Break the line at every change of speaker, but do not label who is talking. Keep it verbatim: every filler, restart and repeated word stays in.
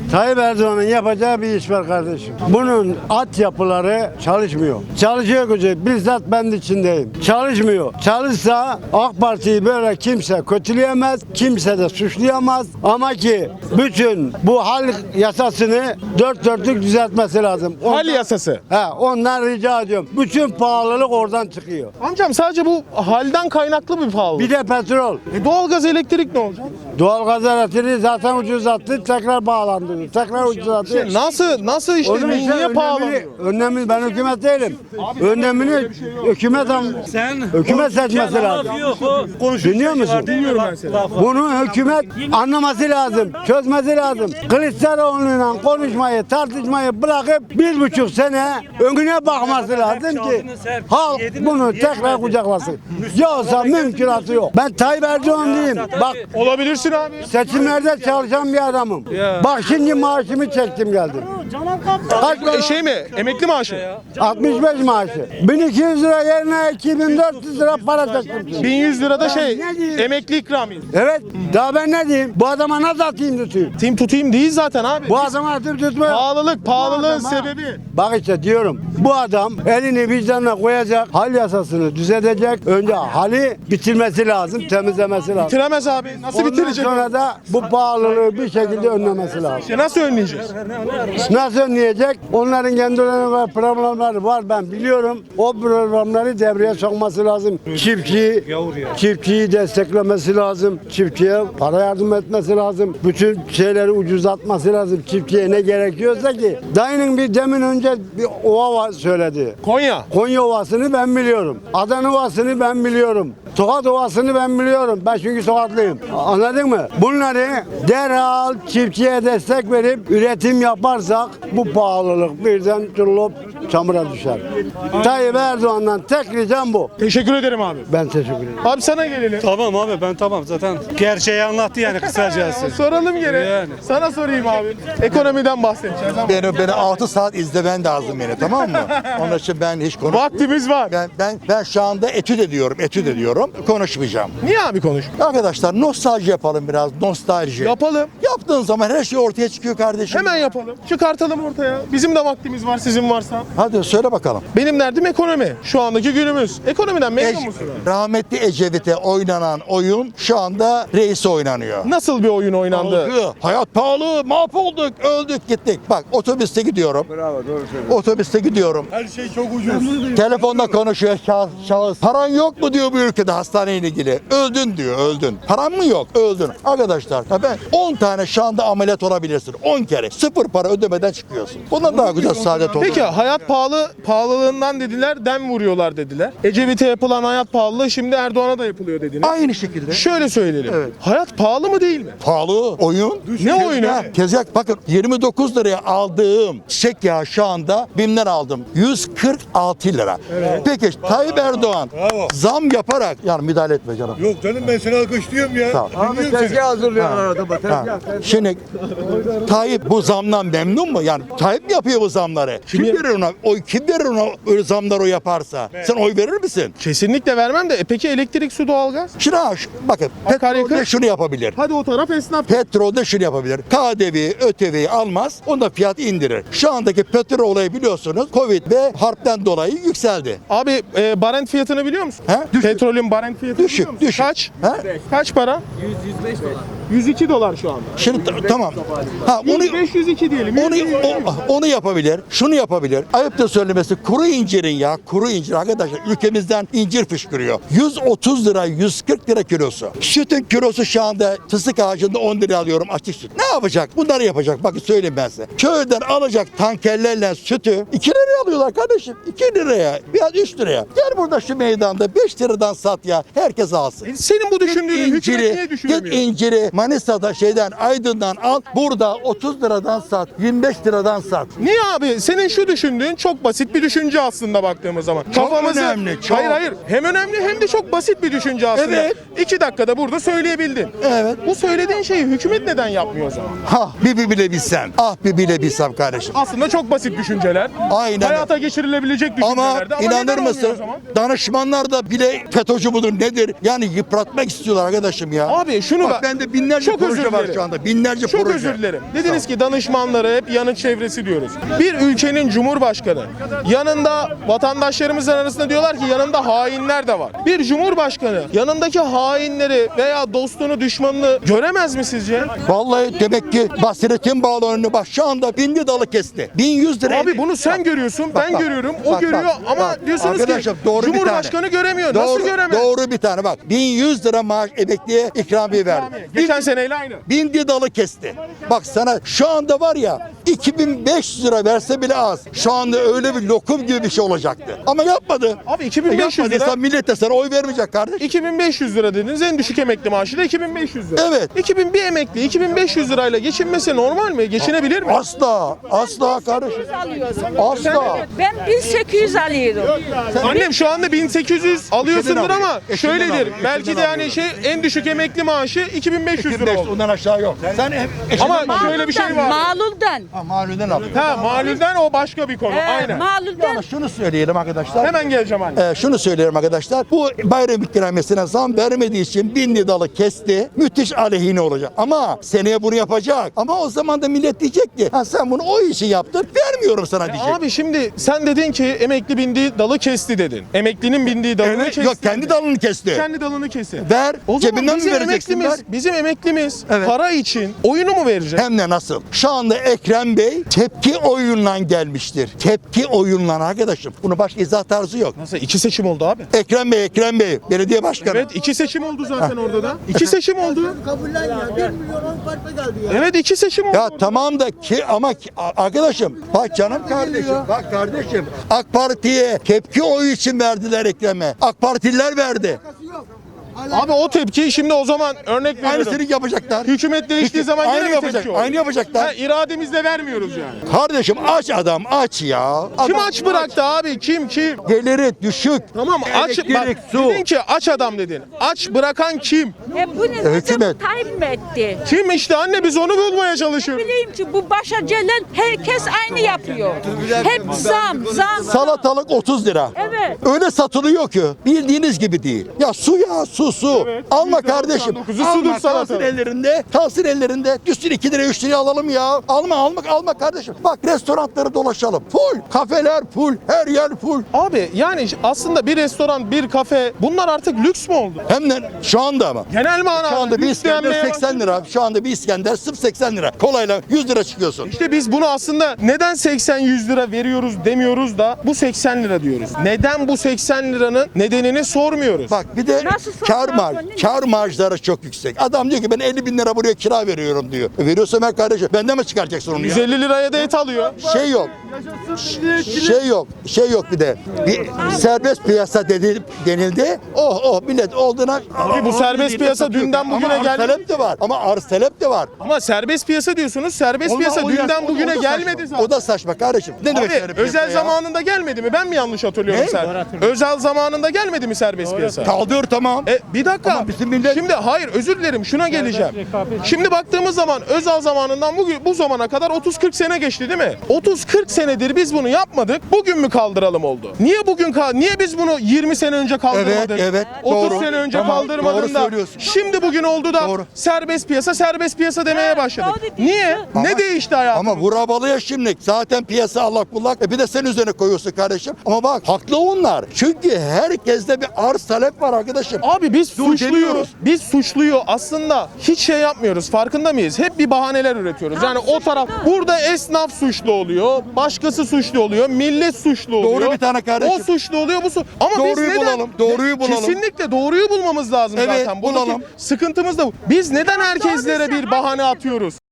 Tayyip Erdoğan'ın yapacağı bir iş var kardeşim. Bunun altyapıları çalışmıyor. Çalışıyor gücü. Bizzat ben de içindeyim. Çalışmıyor. Çalışsa AK Parti'yi böyle kimse kötüleyemez. Kimse de suçlayamaz. Ama ki bütün bu hal yasasını dört dörtlük düzeltmesi lazım. Ondan,
Hal yasası.
He, ondan rica ediyorum. Bütün pahalılık oradan çıkıyor.
Amcam sadece bu halden kaynaklı bir pahalılık.
Bir de petrol.
E doğalgaz, elektrik ne olacak?
Doğalgaz elektriği zaten ucuzattı. Tekrar bağlandı. Tekrar ucuzattı.
İşte nasıl nasıl işte
Onun için
niye pahalı?
önemini, önemini ben hükümet değilim. Önemini hükümet
Sen
hükümet seçmesi lazım. Dinliyor musun?
Dinliyorum ben seni.
Bunu hükümet anlaması lazım, çözmesi lazım. Kılıçdaroğlu'yla konuşmayı, tartışmayı bırakıp bir buçuk sene önüne bakması lazım ki halk bunu tekrar kucaklasın. Yoksa mümkünatı yok. Ben Tayyip Erdoğan diyeyim. Bak
Olabilirsin abi.
seçimlerde çalışan bir adamım. Bak şimdi maaşımı çektim geldim. Kaç
E,
para?
şey mi? Emekli maaşı.
altmış beş maaşı. bin iki yüz lira yerine iki bin dört yüz lira para çektim.
bin yüz lirada şey
ne diyeyim?
emekli ikramiye.
Evet. Daha ben ne diyeyim? Bu adama nasıl atayım tutayım?
Tim tutayım değil zaten abi.
Bu adama atıp tutmuyor.
Pahalılık, pahalılığın
Bu adama-
sebebi.
Bak işte diyorum. Bu adam elini vicdanına koyacak. Hal yasasını düzeltecek. Önce hali bitirmesi lazım. Temizlemesi lazım.
Bitiremez abi. Nasıl
Ondan
bitirecek?
sonra da bu pahalılığı bir şekilde önlemesi lazım.
İşte nasıl önleyeceğiz?
Nasıl önleyecek? Onların kendilerine var, programları var, ben biliyorum. O programları devreye sokması lazım. Çiftçiyi, çiftçiyi desteklemesi lazım. Çiftçiye para yardım etmesi lazım. Bütün şeyleri ucuzlatması lazım. Çiftçiye ne gerekiyorsa ki. Dayının bir demin önce bir ova var söyledi.
Konya.
Konya Ovası'nı ben biliyorum. Adana Ovası'nı ben biliyorum. Tokat Ovası'nı ben biliyorum. Ben çünkü Tokatlıyım. Anladın mı? Bunları derhal çiftçiye destek verip üretim yaparsak bu pahalılık birden turulup çamura düşer. Tayyip Erdoğan'dan tek ricam bu.
Teşekkür ederim abi.
Ben teşekkür ederim.
Abi sana gelelim.
Tamam abi ben tamam zaten gerçeği anlattı yani kısacası.
Soralım gene.
Yani.
Sana sorayım abi. Ekonomiden bahsedeceğiz ama
Beni, beni altı saat izlemen lazım beni, tamam mı? Onun için ben hiç konuş.
vaktimiz var.
Ben, ben, ben şu anda etüt ediyorum, etüt ediyorum. Konuşmayacağım.
Niye abi konuş?
Arkadaşlar nostalji yapalım biraz, nostalji.
Yapalım.
Yaptığın zaman her şey ortaya çıkıyor kardeşim.
Hemen yapalım. Çıkartalım ortaya. Bizim de vaktimiz var, sizin varsa.
Hadi söyle bakalım.
Benim derdim ekonomi. Şu andaki günümüz. Ekonomiden memnun
Ece-
musun?
rahmetli Ecevit'e oynanan oyun şu anda reise oynanıyor.
Nasıl bir oyun oynandı?
Pahalı, hayat pahalı, mahvolduk, öldük, gittik. Bak otobüste gidiyorum. Bravo, doğru söylüyorsun. Otobüste gidiyorum.
Her şey çok ucuz.
Telefonda konuşuyor şahıs, şahıs. Paran yok mu diyor bu ülkede hastaneyle ilgili. Öldün diyor, öldün. Paran mı yok? Öldün. Arkadaşlar ya ben on tane şu anda ameliyat olabilirsin. on kere. Sıfır para ödemeden çıkıyorsun. Bundan daha güzel saadet olur.
Peki hayat pahalı pahalılığından dediler, dem vuruyorlar dediler. Ecevit'e yapılan hayat pahalılığı şimdi Erdoğan'a da yapılıyor dediler.
Aynı şekilde.
Şöyle söyleyelim.
Evet.
Hayat pahalı mı değil mi?
Pahalı oyun.
Ne oyunu?
Tezgah, tezgah. Bakın yirmi dokuz liraya aldığım çiçek yağı şu anda BİM'den aldım. yüz kırk altı lira. Peki Tayyip Erdoğan
Bravo.
zam yaparak yani müdahale etme canım.
Yok canım ben seni alkışlıyorum ya.
Sağ ol.
Dinliyorum seni.
hazırlıyorlar adama.
Ha. Şimdi Tayyip bu zamdan memnun mu? Yani Tayyip mi yapıyor bu zamları? Kim verir ona? Oy kim verir ona öyle zamlar o yaparsa? Sen oy verir misin?
Kesinlikle vermem de. E peki elektrik, su, doğalgaz?
Şimdi ha, şu- bakın
Akaryakıt.
petrolde şunu yapabilir.
Hadi o taraf esnaf.
Petrolde şunu yapabilir. K D V'yi, ÖTV'yi almaz. Onda fiyat indirir. Şu andaki petrol olayı biliyorsunuz Covid ve harpten dolayı yükseldi.
Abi e, barent fiyatını biliyor musun?
He? Düşük.
Petrolün barent fiyatını
Düşük,
biliyor musun?
düşük.
Kaç?
He?
Kaç para? yüz yüz beş dolar. yüz iki dolar şu anda.
Şimdi ta- tamam. Ha onu
yüz beş yüz iki diyelim.
onu o- onu yapabilir. Şunu yapabilir. Ayıptır söylemesi kuru incirin ya kuru incir arkadaşlar ülkemizden incir fışkırıyor. yüz otuz lira yüz kırk lira kilosu. Sütün kilosu şu anda fıstık ağacında on lira alıyorum açık süt. Ne yapacak? Bunları yapacak. Bakın söyleyeyim ben size. Köyden alacak tankerlerle sütü iki liraya alıyorlar kardeşim. iki liraya biraz üç liraya. Gel burada şu meydanda beş liradan sat ya. Herkes alsın.
Senin bu düşündüğünü hükümet niye
İnciri, git
düşünmüyor?
inciri Manisa'da şeyden Aydın'dan al. Burada otuz liradan sat. yirmi beş liradan sat.
Niye abi? Senin şu düşündüğün çok basit bir düşünce aslında baktığımız zaman.
Çok önemli, çok.
Hayır hayır. Hem önemli hem de çok basit bir düşünce aslında.
Evet.
İki dakikada burada söyleyebildin.
Evet.
Bu söylediğin şeyi hükümet neden yapmıyor o zaman?
Ha bir bir bile bilsem. Ah bir bile bilsem kardeşim.
Aslında çok basit düşünceler.
Aynen.
Hayata geçirilebilecek
Ama
düşüncelerdi. Ama
inanır
neden olmuyor
mısın?
o zaman?
Danışmanlar da bile FETÖ'cü mudur nedir? Yani yıpratmak istiyorlar arkadaşım ya.
Abi şunu
Bak
bak-
bende bin binlerce
çok
proje
özür
var
dilerim.
şu anda. Binlerce
Çok
proje.
özür dilerim. Dediniz ki danışmanları hep yanıt çevresi diyoruz. Bir ülkenin cumhurbaşkanı yanında vatandaşlarımızın arasında diyorlar ki yanında hainler de var. Bir cumhurbaşkanı yanındaki hainleri veya dostunu düşmanını göremez mi sizce?
Vallahi demek ki basiretin bağlı önüne bak şu anda bindi dalı kesti. bin yüz lira.
Abi bunu sen görüyorsun, ben
bak,
görüyorum, o
bak,
görüyor
bak,
ama
bak.
diyorsunuz
Arkadaşlar,
ki
doğru bir tane.
Cumhurbaşkanı göremiyor.
Doğru,
Nasıl göremez?
Doğru bir tane bak. bin yüz lira maaş emekliye ikramiye verdi.
Geçen seneyle aynı.
Bindi dalı kesti. Bak sana şu anda var ya iki bin beş yüz lira verse bile az. Şu anda öyle bir lokum gibi bir şey olacaktı. Ama yapmadı.
Abi iki bin beş yüz lira.
Yapmadıysa millet de sana oy vermeyecek kardeş.
iki bin beş yüz lira dediniz. En düşük emekli maaşı da iki bin beş yüz lira.
Evet.
iki bin bir emekli iki bin beş yüz lirayla geçinmesi normal mi? Geçinebilir mi?
Asla. Asla kardeşim. Asla.
Ben bin sekiz yüz alıyorum.
Annem şu anda bin sekiz yüz alıyorsundur
alıyor.
ama
Eşinden
şöyledir.
alıyor,
Belki
eşinden
de hani
alıyor.
şey en düşük emekli maaşı iki bin beş yüz lira oldu.
Ondan aşağı yok. Sen hep
Ama
eşinden alıyorsun.
şöyle bir şey var.
Maluldan.
Ha, malulden alıyorsun.
Ha malulden o başka bir konu.
Ee,
Aynen.
Maluldan.
Ama şunu söyleyelim arkadaşlar.
Hemen geleceğim anne.
Ee, şunu söyleyelim arkadaşlar. Bu bayram ikramiyesine zam vermediği için bin dalı kesti. Müthiş aleyhine olacak. Ama seneye bunu yapacak. Ama o zaman da millet diyecek ki ha sen bunu o işi yaptın vermiyorum sana diyecek.
Abi şimdi sen dedin ki emekli bindiği dalı kesti dedin. Emeklinin bindiği dalını
Evet,
kesti.
yok kendi dalını kesti.
Kendi dalını kesti.
Ver.
O zaman
Cebinden mi
bizim
vereceksin?
emeklimiz,
Ver.
bizim emeklimiz
Evet.
para için oyunu mu verecek?
Hem de nasıl? Şu anda Ekrem Bey tepki oyunla gelmiştir. Tepki oyunla arkadaşım. Bunun başka izah tarzı yok.
Nasıl? İki seçim oldu abi.
Ekrem Bey, Ekrem Bey, belediye başkanı.
Evet iki seçim oldu zaten orada da. İki seçim oldu.
Kabullen ya. bir milyon on farkla geldi ya.
Evet iki seçim oldu.
Ya tamam da ki ama ki- a- arkadaşım bak canım kardeşim bak kardeşim AK Parti'ye tepki oyu için verdiler Ekrem'e. AK Partililer verdi.
Abi o tepki şimdi o zaman örnek veriyorum.
Aynısını yapacaklar.
Hükümet değiştiği zaman
Aynı
gene mi
yapacak,
tepki olur?
aynı yapacaklar.
Ha, irademizle vermiyoruz yani.
Kardeşim aç adam aç ya.
Kim
Adam
aç bıraktı abi? Kim kim?
Geliri düşük.
Tamam aç bak
Elektrik, su.
dedin ki aç adam dedin. Aç bırakan kim?
E bu ne?
Hükümet.
Tayyip mi etti?
Kim işte anne biz onu bulmaya
Ne
çalışıyoruz.
bileyim ki bu başa gelen herkes aynı yapıyor. Hep zam, zam.
Salatalık otuz lira.
Evet.
Öyle satılıyor ki bildiğiniz gibi değil. Ya su ya su su. Alma
yüzde doksan
kardeşim.
dokuzu
Alma
sudur
kalsın
salatalık.
ellerinde. Kalsın ellerinde. Düşsün iki lira üç liraya alalım ya. Alma alma alma kardeşim. Bak restoranları dolaşalım. Full. Kafeler full. Her yer full.
Abi yani aslında bir restoran, bir kafe bunlar artık lüks mü oldu?
Hem de şu anda ama.
Genel manada
Şu anda bir
lüks
İskender
denmeye
seksen lira. Şu anda bir İskender sırf seksen lira. Kolayla yüz lira çıkıyorsun.
İşte biz bunu aslında neden seksen yüz lira veriyoruz demiyoruz da bu seksen lira diyoruz. Neden bu seksen liranın nedenini sormuyoruz.
Bak bir de
Nasıl
kar
sorsan
marj,
sonra-
kar marjları çok yüksek. Adam diyor ki ben elli bin lira buraya kira veriyorum diyor. E veriyorsa ben kardeşim benden mi çıkaracaksın onu ya?
yüz elli liraya da et alıyor.
Şey yok. Şey yok. Şey yok bir de. Bir serbest piyasa dedi, denildi. Oh oh millet olduğuna.
Abi bu serbest piyasa dünden bugüne
Ama
geldi.
arz talep de var. Ama arz talep de var.
Ama serbest piyasa diyorsunuz. Serbest
Ondan-
piyasa
o
dünden
yaş- o-
bugüne
o da
gelmedi
saçma.
zaten.
O da saçma kardeşim. Ne demek
Abi
serbest piyasa
özel
ya?
zamanında gelmedi mi? Ben mi yanlış hatırlıyorum
Ne?
sen? Özel zamanında gelmedi mi serbest piyasa?
Kaldır tamam.
E, bir dakika.
Ama bizim millet-
Şimdi hayır özür dilerim şuna geleceğim. Şimdi baktığımız zaman Özal zamanından bugün bu zamana kadar otuz kırk sene geçti değil mi? otuz kırk senedir biz bunu yapmadık. Bugün mü kaldıralım oldu? Niye bugün kal Niye biz bunu yirmi sene önce kaldırmadık?
Evet, evet,
otuz
doğru.
sene önce
Tamam,
kaldırmadın
doğru
da.
söylüyorsun.
Şimdi bugün oldu da
Doğru.
serbest piyasa serbest piyasa demeye
Evet,
başladık.
doğru diyorsun.
Niye?
Ama-
ne değişti hayatımızda?
Ama vurabalı ya şimdi. Zaten piyasa allak bullak. E bir de sen üzerine koyuyorsun kardeşim. Ama bak haklı onlar. Çünkü herkeste bir arz talep var arkadaşım.
Abi biz
Dur
suçluyoruz.
demiyoruz.
Biz suçluyor aslında hiç şey yapmıyoruz. Farkında mıyız? Hep bir bahaneler üretiyoruz. Yani o taraf burada esnaf suçlu oluyor. Başkası suçlu oluyor. Millet suçlu oluyor.
Doğru bir tane kardeşim.
O suçlu oluyor bu su. Ama biz
Doğruyu
neden?
bulalım, doğruyu bulalım.
Kesinlikle doğruyu bulmamız lazım
Evet,
zaten. Buradaki
bulalım.
sıkıntımız da bu. Biz neden herkeslere bir bahane atıyoruz?